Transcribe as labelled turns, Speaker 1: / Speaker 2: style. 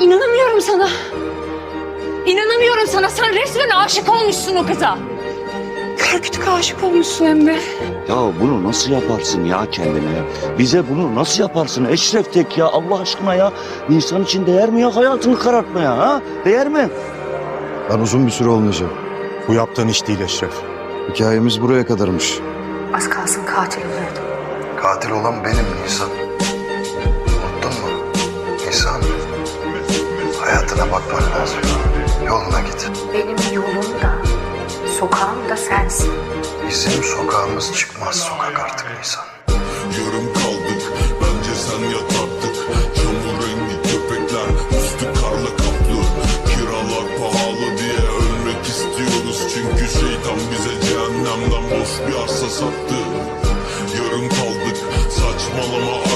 Speaker 1: İnanamıyorum sana. İnanamıyorum sana. Sen resmen aşık olmuşsun o kıza. Kara kütük aşık olmuşsun hem de.
Speaker 2: Ya bunu nasıl yaparsın ya kendine? Bize bunu nasıl yaparsın Eşref Tek ya Allah aşkına ya? İnsan için değer mi ya hayatını karartmaya ha? Değer mi?
Speaker 3: Ben uzun bir süre olmayacağım. Bu yaptığın iş değil Eşref. Hikayemiz buraya kadarmış.
Speaker 1: Az kalsın katil oluyordum.
Speaker 3: Katil olan benim Nisan. Unuttun mu? Nisan. Hayatına bakman lazım. Yoluna git.
Speaker 1: Benim yolum da, sokağım da sensin.
Speaker 3: Bizim sokağımız çıkmaz sokak artık Nisan.
Speaker 4: Yarım kaldık, bence sen yat artık. Çamur rengi köpekler, üstü karla kaplı. Kiralar pahalı diye ölmek istiyoruz. Çünkü şeytan bize cehennemden boş bir arsa sattı. Yarım kaldık, saçmalama